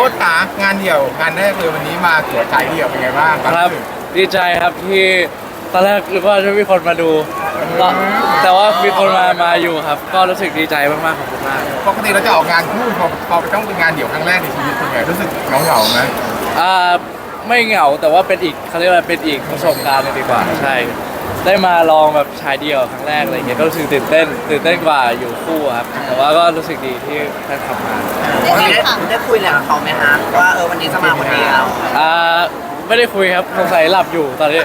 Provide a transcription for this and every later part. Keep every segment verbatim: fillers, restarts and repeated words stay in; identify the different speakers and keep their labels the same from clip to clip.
Speaker 1: สต์ขางานเดี่ยวงานแรกเลยวันนี้มาตัวฉายเดี่ยวเป็นไงบ้าง
Speaker 2: ครับดีใจครับที่ตอนแรกหรือว่าจะมีคนมาดูก็แต่ว่ามีคนมามาอยู่ครับ ก็รู้สึกดีใจมากๆขอบคุณมาก
Speaker 1: ปกติเราจะออกงานคู่พอพอต้องเป็นงานเดี่ยวครั้งแรกในชีวิตเป็นไงรู้สึกเหงาๆไหม
Speaker 2: อ่าไม่เหงาแต่ว่าเป็นอีกเขาเรียกว่าเป็นอีกประสบการณ์หนึ่งดีกว่าใช่ ได้มาลองแบบชายเดียวครั้งแรกอะไรเงี้ยก็รู้สึกตื่นเต้นตื่นเต้นกว่าอยู่คู่ครับแต่ว่าก็รู้สึกดีที่ได้ทำงาน
Speaker 3: ได้ได้คุยอะไรกับเขาไหมฮะว่าเออวันนี้จะมาคนเดียว
Speaker 2: อ่าไม่ได้คุยครับสงสัยหลับอยู่ตอนนี้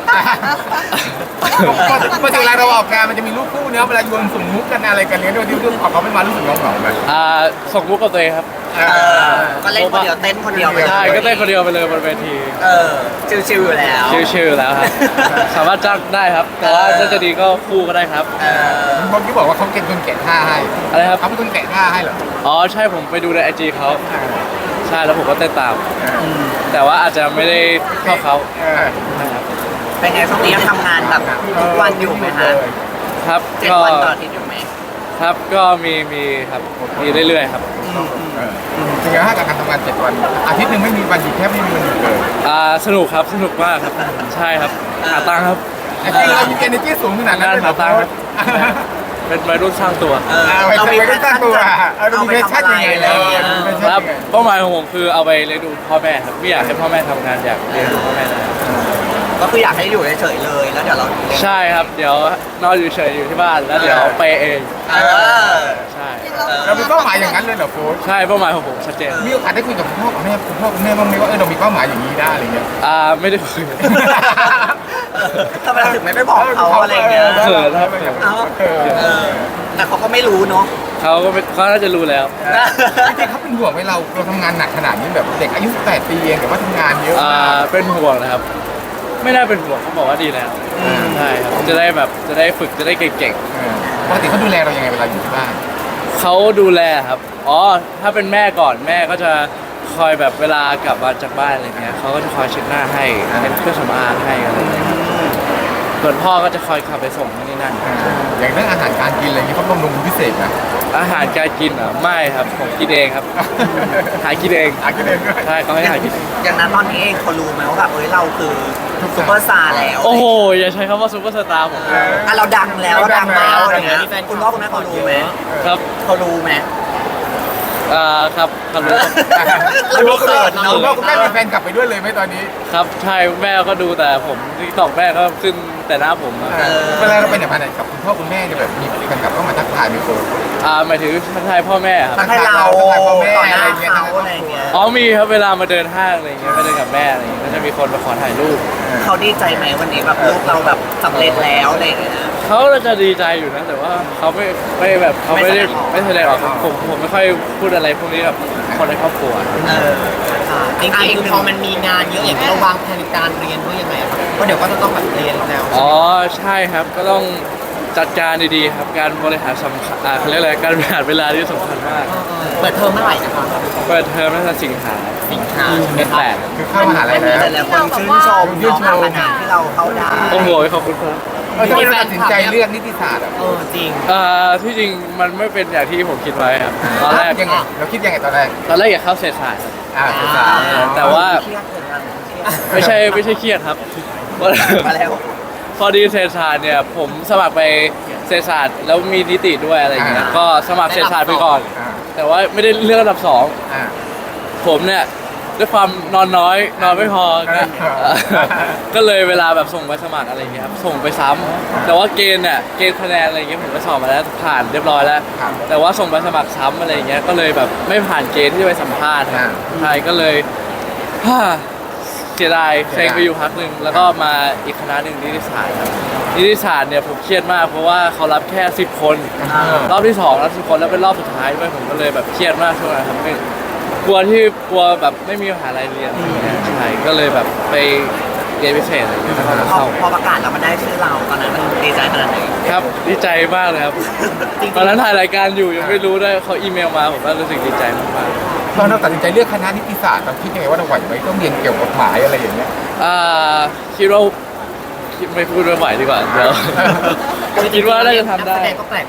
Speaker 1: ปกติเวลาเราออกงานมันจะมีรูปคู่เนี้ยเวลาโยนส่งมุกกันอะไรกันเนี้ยด้วยที่รูปของเขาไม่มารู้สึกเหงาๆไหม
Speaker 2: อ่าส่งมุกกับตัวเองครับ
Speaker 3: เออก็เล่นคนเดียวเต้นคนเดียวไปเลย
Speaker 2: ใช่ก็เต้นคนเดียวไปเลยบนเวที
Speaker 3: เออชิวๆอยู่แล้ว
Speaker 2: ชิลๆอยู่แล้วครับ สามารถจ้างได้ครับ แต่ว่าถ้าจะดีก็คู่ก็ได้ครับ
Speaker 3: เออ
Speaker 1: เมื่อกี้บอกว่าเขาเป็นคนแกะท่าให้
Speaker 2: อะไรครับ
Speaker 1: เขาเป็นคนแกะท่าให้เหรอ
Speaker 2: อ๋อใช่ผมไปดูในไอจีเขาใช่แล้วผมก็เต้นตาม แต่ว่าอาจจะไม่ได้เท่าเขา
Speaker 1: เออ
Speaker 2: นะครับ
Speaker 3: เป็นไงช่วงนี้ยังทำงานแบบทุกวันอยู่ไหมฮะ
Speaker 2: ครับ
Speaker 3: เจ็ด
Speaker 2: ก็
Speaker 3: วันต่ออาทิตย์อยู่ไหม
Speaker 2: ครับก็มีมีครับมีเรื่อยๆครับ
Speaker 1: เออเป็นไงฮะกับการทำงานเจ็ดวันอาทิตย์หนึ่งไม่มีวันหยุดแทบไม่มีวันหยุดเลย
Speaker 2: อ่าสนุกครับสนุกมากครับใช่ครับหาตังค์ครับ
Speaker 1: ไอ้ที่เรามี energy สูงขนาดนั้นเลยเหรอ
Speaker 2: หาตังค์ครับ เป็นวัยรุ่นสร้างตัว
Speaker 3: เออ
Speaker 1: เอาไป
Speaker 3: เรามี
Speaker 1: ไปตั้งตัวเอาเรามีเพชชั่นยังไงแล้ว
Speaker 2: ครับเป้าหมายของผมคือเอาไปเลี้ยงดูพ่อแม่ครับไม่อยากให้พ่อแม่ทำงานอยากเลี้ยงดูพ่อแม่นะ
Speaker 3: ก็คืออยากให้อยู่เฉยๆเลยแล้วเดี๋ยวเรา
Speaker 2: ใช่ครับเดี๋ยวนอนอยู่เฉยอยู่ที่บ้านแล้วเดี๋ยวไปเอง
Speaker 3: เออ
Speaker 2: ใช่
Speaker 1: เรามีเป้าหมายอย่างนั้นเลยเหรอโค้ช
Speaker 2: ใช่เป้าหมายของผมชัดเจน
Speaker 1: มีโอกาสได้คุยกับคุณพ่อกับแม่คุณพ่อคุณแม่บ้างไหมว่าเออเรามีเป้าหมายอย่างนี้ได้อะไรเงี้ย
Speaker 2: อ่าไม่ได้คุย
Speaker 3: ทำไมเราถึงไม่ไปบอกเขาอะไรเงี้ย
Speaker 2: เขินครับ
Speaker 3: เอ้าเออแต่เขาก็ไม่รู้เนาะ
Speaker 2: เขาก็ไม่เขาน่าจะรู้แล้ว
Speaker 1: จริงๆเขาเป็นห่วงไหมเราเราทำงานหนักขนาดนี้แบบเด็กอายุสิบแปดปีเองแต่ว่าทำงานเยอะ
Speaker 2: อ่าม
Speaker 1: าก
Speaker 2: เป็นห่วงนะครับ ไม่น่าเป็นห่วงเขาบอกว่าดีแล้วใช่ครับจะได้แบบจะได้ฝึกจะได้เก่ง
Speaker 1: เออปกติเขาดูแลเรายังไงเวลาอยู่ที่บ้าน
Speaker 2: ๆเขาดูแลครับอ๋อถ้าเป็นแม่ก่อนแม่ก็จะคอยแบบเวลากลับมาจากบ้านอะไรเงี้ยเขาก็จะคอยเช็ดหน้าให้เป็นเครื่องสำอางให้อะไรอย่างเงี้ยครับส่วนพ่อก็จะคอยขับไปส่งที่นี่นั่น
Speaker 1: เอออย่างเรื่องอาหารการกินอะไรเงี้ยเขาบำรุงพิเศษนะ
Speaker 2: อาหารการกินเหรอ่ะไม่ครับผมกินเองครับ หากินเอง
Speaker 1: หากินเองด้วย
Speaker 2: ใช่เขาให้หากินเอง
Speaker 3: อย่างนั้นตอนนี้เองเขารู้ไหมว่าแบบเอ้ยเราคือซุปเปอร์สตาร์แล้ว
Speaker 2: โอ้โหอย่าใช้คำว่าซุปเปอร์สตาร์ผม
Speaker 1: เออ
Speaker 3: อ่ะเราดังแล้วเราดังแล้วอะไรเงี้ยคุณพ่อคุณแม่เขารู้ไหม
Speaker 2: ครับ
Speaker 3: เขารู้ไหม
Speaker 2: อ่าครับครับรู้
Speaker 3: เราดูเขิน
Speaker 1: คุ
Speaker 3: เนาะ
Speaker 1: ณพ่อคุณแม่มีแฟนกลับไปด้วยเลยไหมตอนนี้
Speaker 2: ครับใช่แม่ก็ดูแต่ผมที่ตอกแม่ก็ขึ้นแต่หน้าผมอะ
Speaker 1: เออเวลาเราไปไหนมาไหนกับคุณพ่อคุณแม่เนี่ยแบบมีแฟนกลับเข้ามาทักทายไหมโค้ช
Speaker 2: อ่าหมายถึงทักทายพ่อแม่ครับ
Speaker 3: ทักทายเรา
Speaker 1: ทักทายพ่อแม่
Speaker 3: ต่อหน้า
Speaker 1: อะไรเงี้ย
Speaker 3: เขาอะไรเงี้ย
Speaker 2: อ๋อมีครับเวลามาเดินห้างอะไรอย่างเงี้ยไปเดินกับแม่อะไรอย่างเงี้ยก็จะมีคนมาขอถ่ายรูป
Speaker 3: เขาดีใจไหมวันนี้แบบลูกเราแบบสำเร็จแล้วอะไรเงี้ย
Speaker 2: เขาจะดีใจอยู่นะแต่ว่าเขาไม่ไม่แบบเขาไม่ได้
Speaker 3: ไม่
Speaker 2: ไม่
Speaker 3: แส
Speaker 2: แส
Speaker 3: ด
Speaker 2: ด
Speaker 3: ง
Speaker 2: ง
Speaker 3: อ
Speaker 2: อ
Speaker 3: อ
Speaker 2: อก กครับผมผมไม่ค่อยพูดอะไรพวกนี้กับคนในครอบครัว
Speaker 3: เออ
Speaker 4: จริงๆคือพอมันมีงานเยอะอย่างนี้เราวางแผนการเรียนด้วยยังไงครับเพราะเดี๋ยวก็จะต้องแบบเรียนแล้ว
Speaker 2: อ๋อใช่ครับก็ต้องจัดการดีๆครับการบริหารสำคัญอ่าเขาเรียกอะไรการบริหารเวลาที่สำคัญมาก
Speaker 4: เปิดเทอมเมื่อไหร่นะคะ
Speaker 2: เปิดเทอมน่าจะสิงหา
Speaker 4: สิงหาใช่ไหม
Speaker 2: เป็น
Speaker 4: ครับ
Speaker 2: แปด
Speaker 1: คือเข้ามหาลัยแล้ว
Speaker 3: แต่ละคนชื่นชม
Speaker 1: ชื่นชม
Speaker 3: น้องขนาดที่เราเข้าได้
Speaker 2: โอ้โหขอบคุณครับ
Speaker 1: เออทำไมเราตัดสินใจเลือกนิติศาสตร์อ่ะ
Speaker 4: เออจริง
Speaker 2: เอ่อที่จริงมันไม่เป็นอย่างที่ผมคิดไว้ครับตอนแรก
Speaker 1: ยังไงเราคิดยังไงตอนแรก
Speaker 2: ตอนแรกอยากเข้าเศรษฐศาสตร์ครับ
Speaker 1: อ่าศึกษา
Speaker 2: แต่ว่า
Speaker 3: เครียดเหมือนกัน
Speaker 2: ไม่ใช่ไม่ใช่เครียดครับ
Speaker 3: มาแล้ว
Speaker 2: พอดีเศรษฐศาสตร์เนี่ยผมสมัครไปเศรษฐศาสตร์แล้วมีนิติด้วยอะไรอย่างเงี้ยก็สมัครเศรษฐศาสตร์ไปก่อน
Speaker 1: อ่า
Speaker 2: แต่ว่าไม่ได้เลือกอันดับสอง
Speaker 1: อ่า
Speaker 2: ผมเนี่ยด้วยความนอนน้อยนอนไม่พอก็
Speaker 1: อ่า
Speaker 2: ก็เลยเวลาแบบส่งไปสมัครอะไรอย่างเงี้ยครับส่งไปซ้ำแต่ว่าเกณฑ์เนี่ยเกณฑ์คะแนนอะไรอย่างเงี้ยผมไปสอบมาแล้วผ่านเรียบร้อยแล้ว
Speaker 1: ครับ
Speaker 2: แต่ว่าส่งไปสมัครซ้ำอะไรอย่างเงี้ยก็เลยแบบไม่ผ่านเกณฑ์ที่จะไปสัมภาษณ์ครับ
Speaker 1: อ่า
Speaker 2: ใช่ก็เลย ฮ่าเสียดายเซ็งไปอยู่พักหนึ่งแล้วก็มาอีกคณะหนึ่งนิติศาสตร์ครับนิติศาสตร์เนี่ยผมเครียดมากเพราะว่าเขารับแค่สิบคน
Speaker 1: อ่าร
Speaker 2: อบที่สองรับสิบคนแล้วเป็นรอบสุดท้ายด้วยผมก็เลยแบบเครียดมากช่วงนั้นครับไม่กลัวที่กลัวแบบไม่มีมหาลัยเรียนอะไรอย่างเงี้ยใช่ก็เลยแบบไปเรียนพิเศษอะไรอย่างเงี้ยแล้วก็มา
Speaker 3: พอ
Speaker 2: เข้า
Speaker 3: พอประกาศแล้วมันได้ชื่อเราตอนนั้นมันดีใจขนาดไหน
Speaker 2: ครับดีใจมากเลยครับ
Speaker 3: จริงๆ
Speaker 2: ตอนนั้นถ่ายรายการอยู่ยังไม่รู้ด้วยเขาอีเมลมาผมก็รู้สึกดีใจมาก
Speaker 1: ตอนเราตัดสินใจเลือกคณะนิติศาสตร์เราคิดยังไงว่าเราไหวไหมต้องเรียนเกี่ยวกับกฎหมายอะไรอย่างเงี้ย
Speaker 2: ๆอ่าคิดว่าคิดไม่พูดไม่ไหวดีกว่าเดี๋ยว คิดว่าน่าจะทำได้
Speaker 4: นักแสดงก็แปลกเหมือนกันที่บอกว่า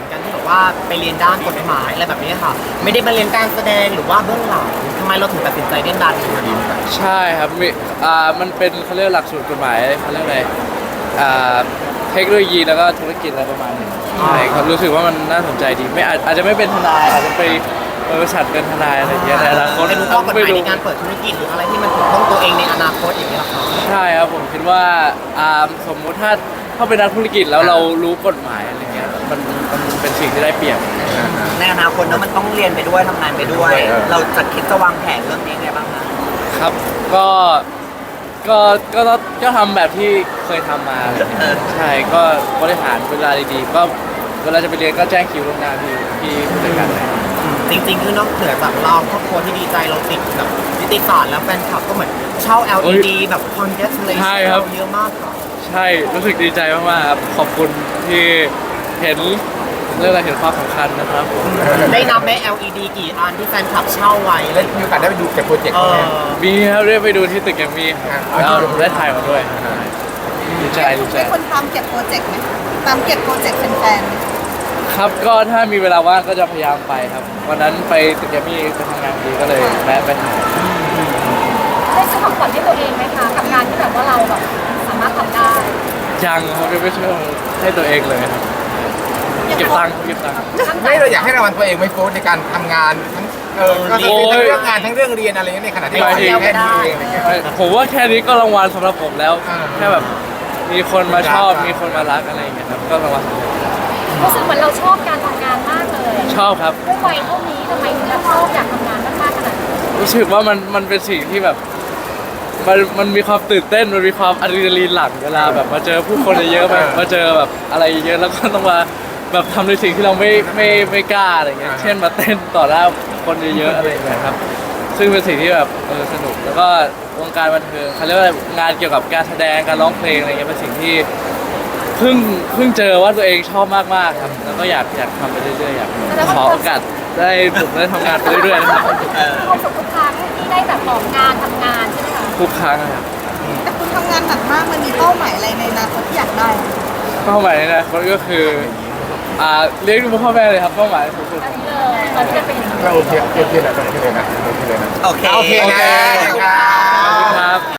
Speaker 4: ว่าไปเรียนด้านกฎหมายอะไรแบบนี้ค่ะ ไม่ได้มาเรียนการแสดงหรือว่าเบื้องหลังทำไมเราถึงตัดสินใจเล่นด้านนี้
Speaker 2: ใช่ครับมีอ่ามันเป็นเขาเรียกหลักสูตรกฎหมายเขาเรียกอะไรอ่าเทคโนโลยีแล้วก็ธุรกิจอะไรประมาณนี้ใช่ครับรู้สึกว่ามันน่าสนใจดีไม่อาจอาจจะไม่เป็นทนายอาจจะไปบริษัทเป็นทนายอะไรอย่างเงี้ยในอนาคต
Speaker 4: ไม่รู้ข้อกฎห
Speaker 2: ไม่
Speaker 4: มาย
Speaker 2: รู้
Speaker 4: ในการเปิดธุรกิจหรืออะไรที่มันถูกต้องตัวเองในอนาคตอย่างเงี้ยค่ะ
Speaker 2: ใช่ครับผมคิดว่าอ่าสมมุติถ้าถ้าเป็นนักธุรกิจแล้วเรารู้กฎหมายอะไรเงี้ยมันมันเป็นสิ่งที่ได้เปรียบ
Speaker 3: ในอนาคตเนอะมันต้องเรียนไปด้วยทำงานไปด้วย เราจะคิดจะวางแผนเรื่องนี้ไงบ้างคะ
Speaker 2: ครับก็ก็ก็ก็ก็ทำแบบที่เคยทำมาอะไรเงี้ยใช่ก็บริหารเวลาดีๆก็เวลาจะไปเรียนก็แจ้งคิวล่วงหน้าพี่พี่ผู้จัดการเลย
Speaker 4: จริงๆ คือนอกเหนือจากเราครอบครัวที่ดีใจเราติดแบบนิติศาสตร์แล้วแฟนคลับก็เหมือนเช่า แอล อี ดี แบบ congratulation
Speaker 2: ใช่ครับ
Speaker 4: เราเยอะมากค่ะ
Speaker 2: ใช่รู้สึกดีใจมากๆครับขอบคุณที่เห็นเรื่องอะไรเห็นความสำคัญนะครับผม
Speaker 4: ได้นับไหม แอล อี ดี กี่อันที่แฟนคลับเช่าไว้
Speaker 1: แล้วมีโอกาสได้ไปดูเก็บโปรเจกต์
Speaker 4: เอ
Speaker 1: ไหม
Speaker 4: อ
Speaker 2: มีครับได้ไปดูที่ตึกแกรมมี่ครับ
Speaker 1: อ่า
Speaker 2: แล้วได้ถ่ายมาด้วยดีใจดีใจ
Speaker 5: เป็นคนตามเก็บโปรเจกต์ไหมตามเก็บโปรเจกต์แฟน
Speaker 2: ครับก็ถ้ามีเวลาว่างก็จะพยายามไปครับวันนั้นไปตึกแกรมมี่ไปทำงานพอดีก็เลยแวะไปถ่าย
Speaker 6: ได้ซื้อของขวัญให้ตัวเองไหมคะกับงานที่แบบว่าเราแบบสามารถทำได้
Speaker 2: ยังเขาจะไม่ช่วยให้ตัวเองเลยครับเก็บตังค์เก็บตังค์
Speaker 1: ไม่เราอยากให้รางวัลตัวเองไหม่โฟนในการทำงานทั้งเออก็คือทั้งเรื่องงานทั้งเรื่องเรียนอะไรเงี้ยในขณะที่เราเองแค่นี้เองอะไรเงี้ย
Speaker 2: ผมว่าแค่นี้ก็รางวัลสำหรับผมแล้ว
Speaker 1: อ่า
Speaker 2: แค่แบบมีคนมาชอบ
Speaker 1: รัก
Speaker 2: มีคนมารักอะไรอย่างเงี้ยครับก็รางวัล
Speaker 6: รู้สึกเหมือนเราชอบการทำงานมากเลย
Speaker 2: ชอบครับ
Speaker 6: ด้วยวัยเท่านี้ทำไมถึงเราชอบอยากทำงานมากๆขนาดนี้
Speaker 2: รู้สึกว่ามันมันเป็นสิ่งที่แบบมันมันมีความตื่นเต้นมันมีความอะดรีนาลีนหลั่งเวลาแบบมาเจอผู้คนเยอะๆมามาเจอแบบอะไรเยอะแล้วก็ต้องมาแบบทำในสิ่งที่เราไม่ไม่ไม่กล้าอะไรเงี้ยเช่นมาเต้นต่อหน้าคนเยอะๆอะไรอย่างเงี้ยครับซึ่งเป็นสิ่งที่แบบเออสนุกแล้วก็วงการบันเทิงเขาเรียกว่างานเกี่ยวกับการแสดงการร้องเพลงอะไรเงี้ยเป็นสิ่งที่เพิ่งเพิ่งเจอว่าตัวเองชอบมากๆครับแล้วก็อยากอยากทำไปเรื่อยๆอยากขอโอกาสได้ผมได้ทำงานไปเรื่อยๆนะครับ
Speaker 6: ความสุขทุกครั้งที่ได้แบบออกงานทำงานใช่ไหมคะ
Speaker 2: ทุกครั้งนะครับ
Speaker 5: ๆแต่คุณทำงานหนักมากมันมีเป้าหมายอะไรในอนาคตที่อยากได้ไหม
Speaker 2: เป้าหมายในอนาคตก็คืออ่าเลี้ยงดูพ่อแม่เลยครับเป้าหมายสูงสุด
Speaker 6: อันนี้เลยตอนที่จะเป็นอย่างนี้
Speaker 1: เราโอเคโอเคเลยนะโอเคเลยนะโอเคเลยนะ
Speaker 3: โอเค
Speaker 1: โอเคนะ
Speaker 2: ขอบคุณครับ